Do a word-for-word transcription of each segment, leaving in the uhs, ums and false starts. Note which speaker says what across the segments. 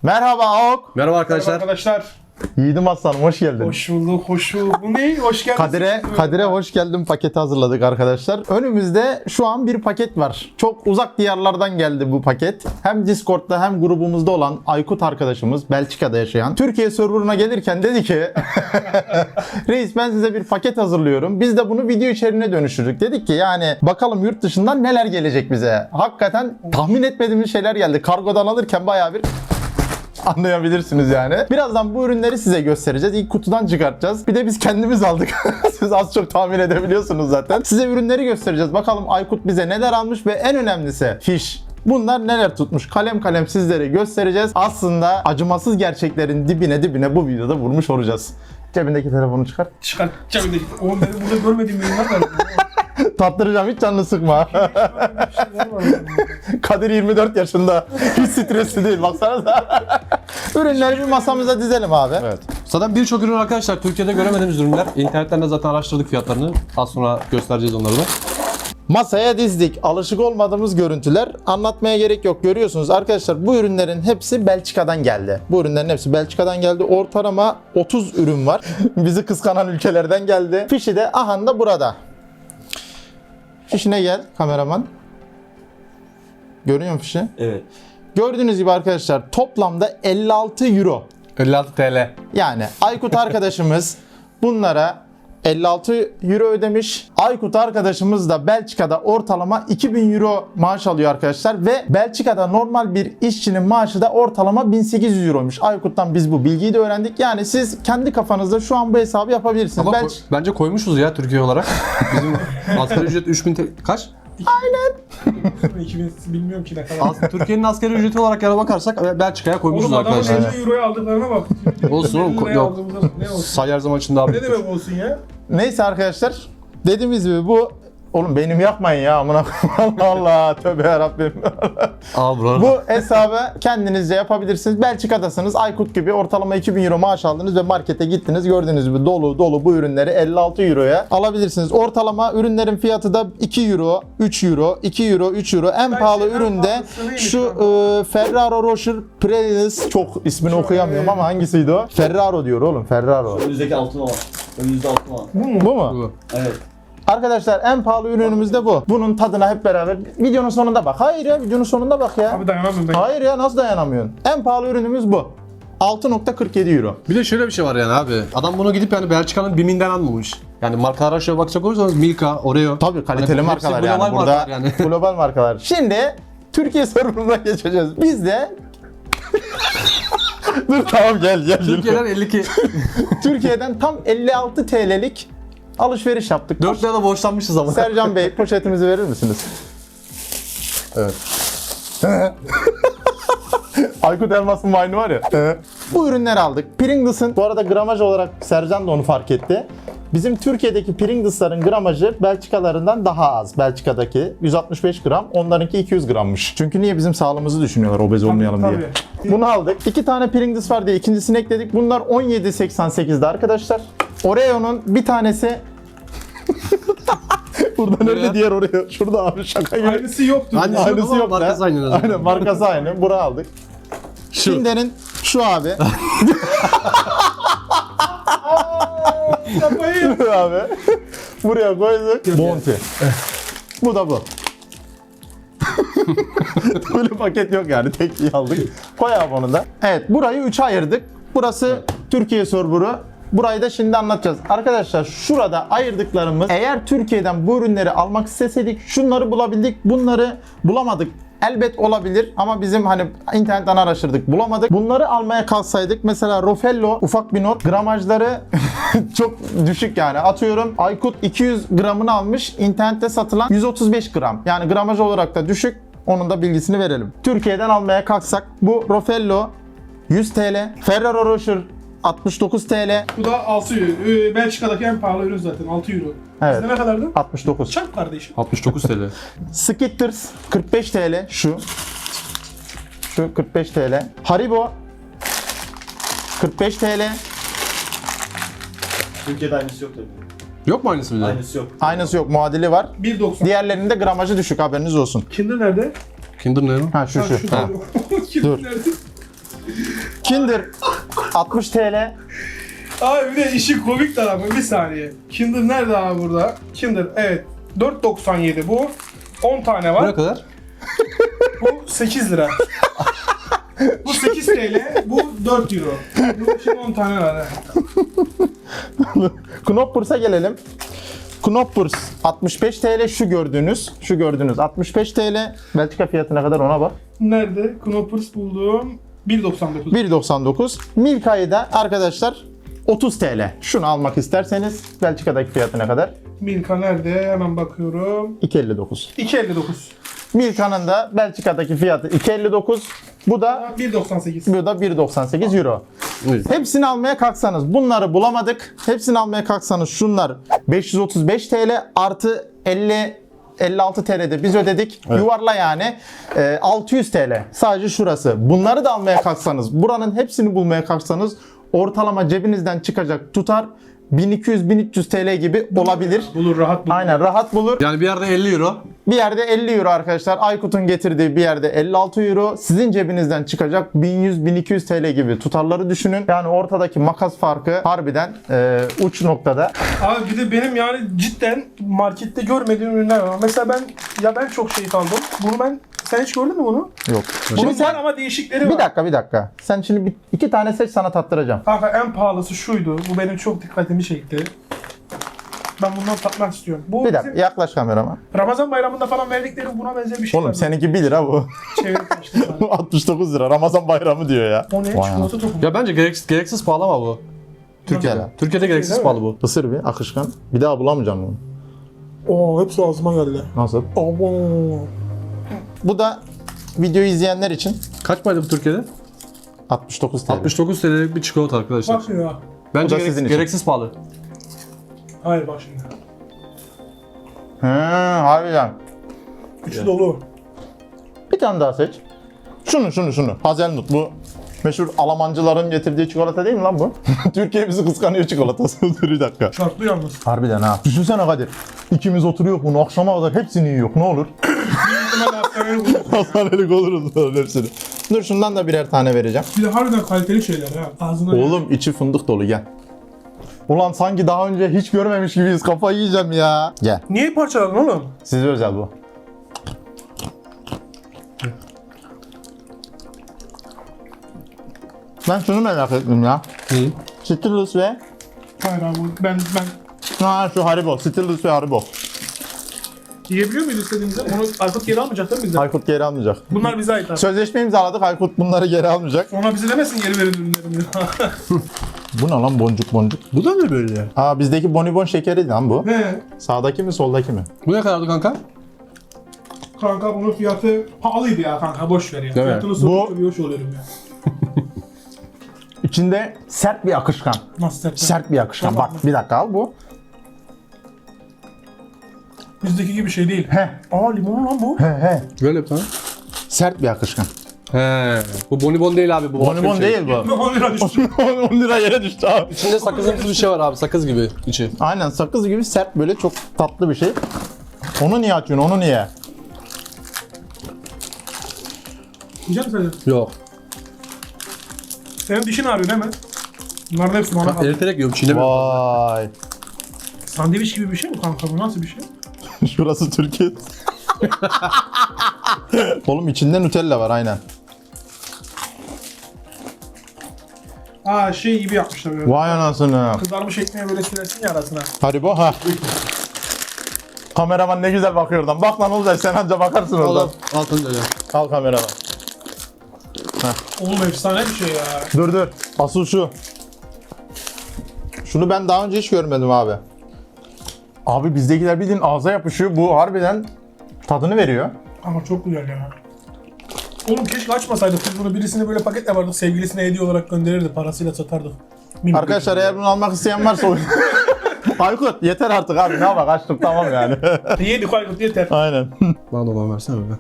Speaker 1: Merhaba Aok.
Speaker 2: Merhaba arkadaşlar.
Speaker 3: Merhaba arkadaşlar.
Speaker 1: Yiğidim Aslanım hoş geldin.
Speaker 3: Hoş bulduk, hoş bulduk. Bu ne? Hoş geldiniz.
Speaker 1: Kadir'e Kadir'e hoş geldin paketi hazırladık arkadaşlar. Önümüzde şu an bir paket var. Çok uzak diyarlardan geldi bu paket. Hem Discord'da hem grubumuzda olan Aykut arkadaşımız, Belçika'da yaşayan, Türkiye serverına gelirken dedi ki reis ben size bir paket hazırlıyorum. Biz de bunu video içeriğine dönüştürdük. Dedik ki yani bakalım yurt dışından neler gelecek bize. Hakikaten tahmin etmediğimiz şeyler geldi. Kargodan alırken bayağı bir anlayabilirsiniz yani. Birazdan bu ürünleri size göstereceğiz. İlk kutudan çıkartacağız. Bir de biz kendimiz aldık. Siz az çok tahmin edebiliyorsunuz zaten. Size ürünleri göstereceğiz. Bakalım Aykut bize neler almış ve en önemlisi fiş. Bunlar neler tutmuş? Kalem kalem sizlere göstereceğiz. Aslında acımasız gerçeklerin dibine dibine bu videoda vurmuş olacağız. Cebindeki telefonu çıkar.
Speaker 3: Çıkar. Cebindeki. Oğlum benim burada görmediğim ürünler var.
Speaker 1: Tattıracağım, hiç canını sıkma. Kadir yirmi dört yaşında. Hiç stresli değil, baksana. Ürünleri bir masamıza dizelim abi.
Speaker 2: Evet. Zaten birçok ürün arkadaşlar Türkiye'de göremediğimiz ürünler. İnternetten de zaten araştırdık fiyatlarını. Az sonra göstereceğiz onları da.
Speaker 1: Masaya dizdik. Alışık olmadığımız görüntüler. Anlatmaya gerek yok. Görüyorsunuz arkadaşlar bu ürünlerin hepsi Belçika'dan geldi. Bu ürünlerin hepsi Belçika'dan geldi. Ortalama otuz ürün var. Bizi kıskanan ülkelerden geldi. Fişi de aha da burada. Fişine gel kameraman. Görüyor musun fişi?
Speaker 4: Evet.
Speaker 1: Gördüğünüz gibi arkadaşlar toplamda elli altı euro.
Speaker 2: elli altı TL.
Speaker 1: Yani Aykut arkadaşımız bunlara elli altı euro ödemiş. Aykut arkadaşımız da Belçika'da ortalama iki bin euro maaş alıyor arkadaşlar ve Belçika'da normal bir işçinin maaşı da ortalama bin sekiz yüz euroymuş. Aykut'tan biz bu bilgiyi de öğrendik. Yani siz kendi kafanızda şu an bu hesabı yapabilirsiniz.
Speaker 2: Ama
Speaker 1: Belç-
Speaker 2: ko- bence koymuşuz ya Türkiye olarak. Bizim asgari ücret üç bin T L. Kaç?
Speaker 3: iki bin bilmiyorum ki ne kadar.
Speaker 2: As- Türkiye'nin asgari ücreti olarak yana bakarsak Belçika'ya koymuşuz
Speaker 3: Oğlum adamın
Speaker 2: arkadaşlar.
Speaker 3: elli euroya aldıklarına bak.
Speaker 2: Olsun oğlum,
Speaker 3: elli liraya
Speaker 2: yok.
Speaker 3: aldığımızda ne olsun?
Speaker 2: Say her zaman için daha
Speaker 3: Ne
Speaker 2: büyük.
Speaker 3: demek olsun ya?
Speaker 1: Neyse arkadaşlar dediğimiz gibi bu oğlum benim yapmayın ya amına koyayım. Allah Allah tövbe yarabbim.
Speaker 2: Al bro.
Speaker 1: Bu hesabı kendinizce yapabilirsiniz. Belçika'dasınız. Aykut gibi ortalama iki bin euro maaş aldınız ve markete gittiniz. Gördüğünüz gibi dolu dolu bu ürünleri elli altı euroya alabilirsiniz. Ortalama ürünlerin fiyatı da iki euro, üç euro, iki euro, üç euro. En
Speaker 3: Ben
Speaker 1: pahalı
Speaker 3: şeyden
Speaker 1: üründe
Speaker 3: pahalısı neymiş
Speaker 1: şu
Speaker 3: lan?
Speaker 1: e, Ferraro Rocher Prelis, çok ismini okuyamıyorum ama hangisiydi o? Ferraro diyor oğlum, Ferraro.
Speaker 4: Önümüzdeki altın olan. Önümüzde altın olan.
Speaker 3: Bu mu?
Speaker 1: Bu mu?
Speaker 2: Bu.
Speaker 4: Evet.
Speaker 1: Arkadaşlar en pahalı ürünümüz de bu. Bunun tadına hep beraber videonun sonunda bak. Hayır ya videonun sonunda bak ya.
Speaker 3: Abi dayanamıyorum ben.
Speaker 1: Hayır ya nasıl dayanamıyorsun? En pahalı ürünümüz bu. altı nokta kırk yedi euro.
Speaker 2: Bir de şöyle bir şey var yani abi. Adam bunu gidip yani Belçika'nın BİM'inden almamış. Yani markalara şöyle bakacak olursanız Milka, Oreo.
Speaker 1: Tabii kaliteli
Speaker 2: Hani
Speaker 1: markalar
Speaker 2: hepsi
Speaker 1: yani.
Speaker 2: global
Speaker 1: Burada
Speaker 2: markalar yani.
Speaker 1: global markalar. Şimdi Türkiye serverına geçeceğiz. Biz de Dur tamam gel gel.
Speaker 2: Türkiye'den elli iki.
Speaker 1: Türkiye'den tam elli altı T L'lik alışveriş yaptık.
Speaker 2: dört lira da borçlanmışız ama.
Speaker 1: Sercan Bey poşetimizi verir misiniz?
Speaker 2: Evet.
Speaker 1: Aykut Elmas'ın vine'ı var ya. Bu ürünleri aldık. Pringles'ın bu arada gramaj olarak Sercan da onu fark etti. Bizim Türkiye'deki Pringles'ların gramajı Belçikalarından daha az. Belçika'daki yüz altmış beş gram, onlarınki iki yüz grammış. Çünkü niye bizim sağlığımızı düşünüyorlar obez olmayalım
Speaker 3: tabii.
Speaker 1: diye. Bunu aldık. İki tane Pringles var diye ikincisini ekledik. Bunlar on yedi seksen sekiz'de arkadaşlar. Oreo'nun bir tanesi Buradan
Speaker 2: Nereye?
Speaker 1: öyle diğer Oreo. Şurada abi şaka gibi.
Speaker 3: Aynısı yoktu.
Speaker 2: Aynısı
Speaker 3: Ya.
Speaker 2: yok.
Speaker 1: Aynısı
Speaker 2: ama
Speaker 1: yok da.
Speaker 2: markası aynı en azından.
Speaker 1: Aynen markası aynı. Buraya aldık.
Speaker 2: Şu.
Speaker 1: Kinder'in şu abi.
Speaker 3: Yapmayın.
Speaker 1: abi. Buraya koyduk. Bounty. Bu da bu. Böyle paket yok yani. Tek iyi aldık. Koy abi onu da. Evet burayı üçe ayırdık. Burası Türkiye serverı. Burayı da şimdi anlatacağız. Arkadaşlar şurada ayırdıklarımız eğer Türkiye'den bu ürünleri almak isteseydik şunları bulabildik. Bunları bulamadık. Elbet olabilir ama bizim hani internetten araştırdık bulamadık. Bunları almaya kalksaydık mesela Rofello ufak bir not gramajları çok düşük yani atıyorum Aykut iki yüz gramını almış internette satılan yüz otuz beş gram yani gramaj olarak da düşük onun da bilgisini verelim. Türkiye'den almaya kalksak bu Rofello yüz T L, Ferrero Rocher altmış dokuz T L.
Speaker 3: Bu da altı euro. Ee, Belçika'daki en pahalı ürün zaten altı euro.
Speaker 1: Evet.
Speaker 3: Sizde ne kadardı?
Speaker 1: altmış dokuz.
Speaker 3: Çak kardeşim.
Speaker 2: altmış dokuz TL.
Speaker 1: Skitters kırk beş T L şu. Şu kırk beş T L. Haribo kırk beş T L.
Speaker 4: Türkiye'de aynısı yok tabii.
Speaker 2: Yok mu aynısı bir de?
Speaker 4: Aynısı yok.
Speaker 1: Aynısı yok, muadili var.
Speaker 3: bir doksan.
Speaker 1: Diğerlerinin de gramajı düşük, haberiniz olsun.
Speaker 3: Kinder nerede?
Speaker 2: Kinder ne?
Speaker 1: Ha şu
Speaker 3: Ha,
Speaker 1: şu.
Speaker 3: şu
Speaker 1: Ha.
Speaker 3: Kinder
Speaker 1: Dur.
Speaker 3: nerede?
Speaker 1: Kinder altmış T L.
Speaker 3: Abi bir de işi komik tarafı bir saniye. Kinder nerede abi burada? Kinder evet. dört doksan yedi bu. on tane
Speaker 2: Bu ne
Speaker 3: var.
Speaker 2: kadar?
Speaker 3: Bu sekiz lira. Bu sekiz T L, bu dört euro. Bu şimdi on tane var. ha.
Speaker 1: Knoppers'a gelelim. Knoppers altmış beş T L şu gördüğünüz. Şu gördüğünüz altmış beş T L. Belçika fiyatına kadar ona bak.
Speaker 3: Nerede? Knoppers buldum. bir doksan dokuz.
Speaker 1: bir doksan dokuz. Milka'yı da arkadaşlar otuz T L. Şunu almak isterseniz Belçika'daki fiyatına kadar
Speaker 3: Milka nerede? Hemen bakıyorum.
Speaker 1: iki elli dokuz.
Speaker 3: iki elli dokuz.
Speaker 1: Milka'nın da Belçika'daki fiyatı iki elli dokuz. Bu da
Speaker 3: bir doksan sekiz.
Speaker 1: bu da bir doksan sekiz euro.
Speaker 2: Evet.
Speaker 1: Hepsini almaya kalksanız bunları bulamadık. Hepsini almaya kalksanız şunlar beş yüz otuz beş T L artı elli elli altı T L'de biz ödedik. Yuvarla yani e, altı yüz T L. Sadece şurası. Bunları da almaya kalksanız, buranın hepsini bulmaya kalksanız ortalama cebinizden çıkacak tutar bin iki yüz bin üç yüz T L gibi olabilir.
Speaker 3: Bulur, rahat bulur.
Speaker 1: Aynen rahat bulur.
Speaker 2: Yani bir yerde elli euro.
Speaker 1: Bir yerde elli euro arkadaşlar. Aykut'un getirdiği bir yerde elli altı euro. Sizin cebinizden çıkacak bin yüz bin iki yüz T L gibi tutarları düşünün. Yani ortadaki makas farkı harbiden e, uç noktada.
Speaker 3: Abi bir de benim yani cidden markette görmediğim ürünler var. Mesela ben ya ben çok şey aldım. Bunu ben sen hiç gördün mü bunu?
Speaker 1: Yok.
Speaker 3: Bunun
Speaker 1: Şimdi
Speaker 3: var
Speaker 1: sen
Speaker 3: ama değişikleri var.
Speaker 1: bir dakika bir dakika. Sen şimdi bir, iki tane seç sana tattıracağım.
Speaker 3: Kanka en pahalısı şuydu. Bu benim çok dikkatimi çekti. Ben bundan tatmak istiyorum. Bu
Speaker 1: Bir dakika
Speaker 3: bizim
Speaker 1: yaklaş kamerama.
Speaker 3: Ramazan bayramında falan verdikleri buna benzer bir şey
Speaker 1: Oğlum
Speaker 3: var.
Speaker 1: seninki bir lira bu.
Speaker 3: Çevirip işte sana.
Speaker 1: altmış dokuz lira. Ramazan bayramı diyor ya.
Speaker 3: O ne?
Speaker 1: Vay
Speaker 3: Çikolata topu mu?
Speaker 2: Ya bence gereksiz, gereksiz pahalı ama bu.
Speaker 1: Türkiye'de.
Speaker 2: Türkiye'de gereksiz
Speaker 3: Değil mi?
Speaker 2: pahalı bu.
Speaker 1: Isır bir akışkan. Bir daha bulamayacağım bunu.
Speaker 3: Oo hepsi ağzıma geldi.
Speaker 1: Nasıl?
Speaker 3: Abo.
Speaker 1: Bu da videoyu izleyenler için
Speaker 2: Kaç paraydı bu Türkiye'de?
Speaker 1: altmış dokuz T L.
Speaker 2: altmış dokuz T L'lik bir çikolata arkadaşlar.
Speaker 3: Bak ya.
Speaker 2: Bence
Speaker 1: Bu da
Speaker 2: gerek-
Speaker 1: sizin için.
Speaker 2: gereksiz pahalı.
Speaker 3: Hayır bak şimdi.
Speaker 1: He, harbiden.
Speaker 3: İçi dolu.
Speaker 1: Bir tane daha seç. Şunu şunu şunu. Hazelnut bu. Meşhur Almancıların getirdiği çikolata değil mi lan bu? Türkiye bizi kıskanıyor çikolatası. Dur bir dakika.
Speaker 3: Çarptı yalnız.
Speaker 1: Harbiden ha. Düşünsene Kadir. İkimiz oturuyor bunu akşama kadar hepsini yiyor. Ne olur?
Speaker 3: İhtimal hastaneye bulur.
Speaker 1: Hastanelik oluruz lan hepsini. Dur şundan da birer tane vereceğim.
Speaker 3: Bir de harbiden kaliteli şeyler ha. Ağzına
Speaker 1: Oğlum içi fındık dolu gel. Ulan sanki daha önce hiç görmemiş gibiyiz. Kafayı yiyeceğim ya. Gel.
Speaker 3: Niye parçaladın oğlum?
Speaker 1: Size özel bu. Ben şunu merak ettim ya.
Speaker 2: Hı.
Speaker 1: Skittles ve
Speaker 3: Hayır abi ben ben
Speaker 1: ha şu Haribo. Skittles ve Haribo.
Speaker 3: yiyebiliyor muyuz istediğimizde? Onu Aykut geri almayacak değil mi bizden?
Speaker 1: Aykut geri almayacak.
Speaker 3: Bunlar bize ait abi.
Speaker 1: Sözleşme imzaladık. Aykut bunları geri almayacak.
Speaker 3: Sonra bize demesin geri verin ürünlerimi.
Speaker 1: Bu ne lan boncuk boncuk?
Speaker 2: Bu da ne böyle?
Speaker 1: Aa bizdeki bonibon şekeri lan bu.
Speaker 3: He.
Speaker 1: Sağdaki mi soldaki mi?
Speaker 2: Bu ne kadardı kanka?
Speaker 3: Kanka bunun fiyatı pahalıydı ya kanka boş ver ya.
Speaker 2: Değil mi?
Speaker 3: Fiyatını
Speaker 1: Bu-
Speaker 3: sorup bir hoş oluyorum ya.
Speaker 1: İçinde sert bir akışkan.
Speaker 3: Nasıl sert?
Speaker 1: Sert bir akışkan.
Speaker 3: Tamam.
Speaker 1: Bak bir dakika al bu.
Speaker 3: Bizdeki gibi şey değil.
Speaker 1: He
Speaker 3: Aa limon lan bu.
Speaker 1: he he.
Speaker 2: Böyle bir tane.
Speaker 1: Sert bir akışkan.
Speaker 2: He. Bu bonibon değil abi. Bu başka
Speaker 1: Bonibon
Speaker 2: bir şey.
Speaker 1: değil bu.
Speaker 3: on lira düştü.
Speaker 1: on lira yere düştü abi.
Speaker 2: İçinde sakızımsı bir şey var abi. Sakız gibi içi.
Speaker 1: Aynen sakız gibi sert böyle çok tatlı bir şey. Onu niye açıyorsun? Onu niye?
Speaker 3: Yiyecek misin sen?
Speaker 2: Yok.
Speaker 3: Senin dişin ağrıyor değil mi? Bunların hepsi bana
Speaker 2: Bak
Speaker 3: kaldı.
Speaker 2: eriterek yiyorum. Çiğnemiyorum.
Speaker 1: Vay.
Speaker 3: Sandviç gibi bir şey mi kanka bu? Nasıl bir şey?
Speaker 1: Şurası Türkiye. Oğlum içinde Nutella var aynen.
Speaker 3: Aa şey gibi yapmışlar böyle.
Speaker 1: Vay anasını.
Speaker 3: Kızarmış ekmeğe böyle sürersin ya arasına.
Speaker 1: Haribo ha. Kameraman ne güzel bakıyor oradan. Bak lan Olcay sen anca bakarsın oradan.
Speaker 2: Allah. Altın öyle.
Speaker 1: Al kameraman.
Speaker 3: Oğlum efsane bir şey ya.
Speaker 1: Dur dur. Asıl şu. Şunu ben daha önce hiç görmedim abi. Abi bizdekiler bildiğin ağza yapışıyor. Bu harbiden tadını veriyor.
Speaker 3: Ama çok güzel ya. Oğlum keşke açmasaydık biz bunu. Birisini böyle paket yapardık. Sevgilisine hediye olarak gönderirdi. Parasıyla satardık. Minik
Speaker 1: Arkadaşlar eğer bunu almak isteyen varsa Aykut yeter artık abi ne bak açtık tamam yani.
Speaker 3: bir- Yedik Aykut yeter.
Speaker 1: Aynen.
Speaker 2: Bana da olan versene be.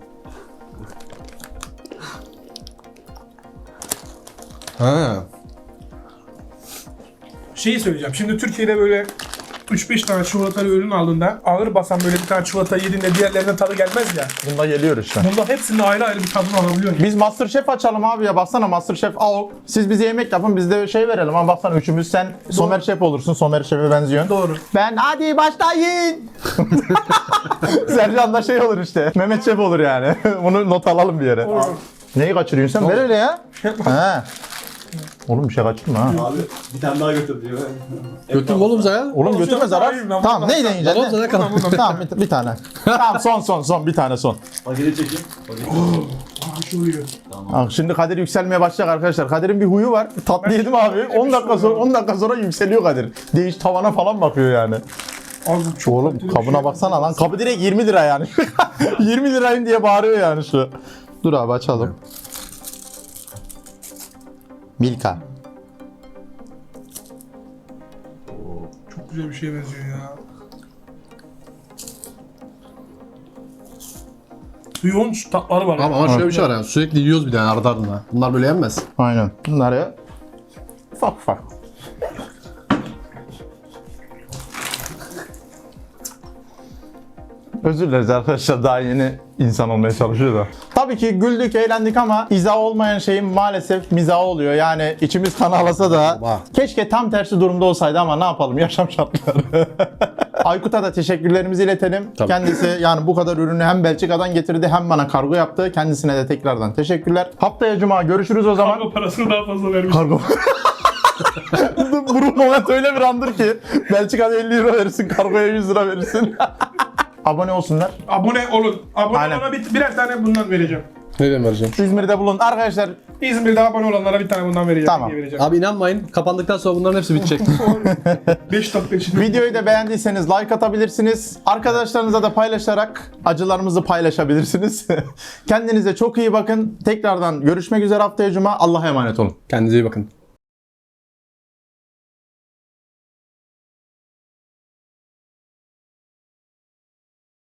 Speaker 2: Ha.
Speaker 3: Şeyi söyleyeceğim. Şimdi Türkiye'de böyle üç beş tane çikolatalı ürün aldığında ağır basan böyle bir tane çikolata yediğinde diğerlerine tadı gelmez ya.
Speaker 1: Bunda geliyor işte.
Speaker 3: Bunda hepsinin ayrı ayrı bir tadını alabiliyorsun.
Speaker 1: Biz Masterchef açalım abi ya. Baksana Masterchef al. Siz bize yemek yapın, biz de şey verelim. Ama baksana üçümüz sen Somer Şef olursun. Somer Şef'e benziyorsun.
Speaker 3: Doğru.
Speaker 1: Ben hadi başlayın. Sercan da şey olur işte. Mehmet Şef olur yani. Bunu not alalım bir yere.
Speaker 3: Olur.
Speaker 1: Neyi kaçırıyorsun sen? Ver hele ya. He. Oğlum bir şey kaçırma ha.
Speaker 4: Abi bir tane daha götür diyor.
Speaker 2: Götüm oğlum sen.
Speaker 1: Oğlum götürme zarar.
Speaker 3: Hayır, ben
Speaker 1: Tamam
Speaker 3: bundan-
Speaker 1: neyi deneyeceksin?
Speaker 2: Tamam, sana kalalım.
Speaker 1: Tamam bir, bir tane. Tamam son son son bir tane son.
Speaker 4: Paketi çekeyim. Paketi.
Speaker 3: Aa, şu oluyor.
Speaker 1: Bak şimdi Kadir yükselmeye başlayacak arkadaşlar. Kadir'in bir huyu var. Tatlı yedim abi. on dakika sonra on dakika sonra yükseliyor Kadir. Değiş tavana falan bakıyor yani.
Speaker 3: Abi çok
Speaker 1: Oğlum
Speaker 3: kaliteli bir
Speaker 1: kabına
Speaker 3: şey.
Speaker 1: baksana lan. Kabı direkt yirmi lira yani. yirmi lirayım diye bağırıyor yani şu. Dur abi açalım. Milka.
Speaker 3: Çok güzel bir şeye benziyor ya. Yoğun tatları var.
Speaker 2: Ama, ama şöyle bir şey var yani sürekli yiyoruz bir de ardı ardına. Bunlar böyle yenmez.
Speaker 1: Aynen. Bunları ufak ufak. Özür dileriz arkadaşlar, daha yeni insan olmaya çalışıyor da. Tabii ki güldük, eğlendik ama izah olmayan şeyin maalesef mizahı oluyor. Yani içimiz kan ağlasa da
Speaker 2: Vah.
Speaker 1: keşke tam tersi durumda olsaydı ama ne yapalım, yaşam şartları. Aykut'a da teşekkürlerimizi iletelim.
Speaker 2: Tabii.
Speaker 1: Kendisi yani bu kadar ürünü hem Belçika'dan getirdi hem bana kargo yaptı. Kendisine de tekrardan teşekkürler. Haftaya Cuma görüşürüz o zaman.
Speaker 3: Kargo parasını daha fazla vermiş.
Speaker 1: Kargo. Bu moment öyle bir andır ki Belçika'da elli euro verirsin, kargoya yüz lira verirsin. Abone olsunlar.
Speaker 3: Abone olun. Abone
Speaker 1: Aynen.
Speaker 3: olana bir, birer tane bundan vereceğim.
Speaker 2: Nereden vereceğim?
Speaker 1: İzmir'de bulun. Arkadaşlar
Speaker 3: İzmir'de abone olanlara bir tane bundan vereceğim.
Speaker 1: Tamam.
Speaker 3: Hediye vereceğim.
Speaker 2: Abi inanmayın kapandıktan sonra bunların hepsi bitecek.
Speaker 3: beş dakika içinde.
Speaker 1: videoyu da beğendiyseniz like atabilirsiniz. Arkadaşlarınıza da paylaşarak acılarımızı paylaşabilirsiniz. Kendinize çok iyi bakın. Tekrardan görüşmek üzere haftaya Cuma. Allah'a emanet olun.
Speaker 2: Kendinize iyi bakın.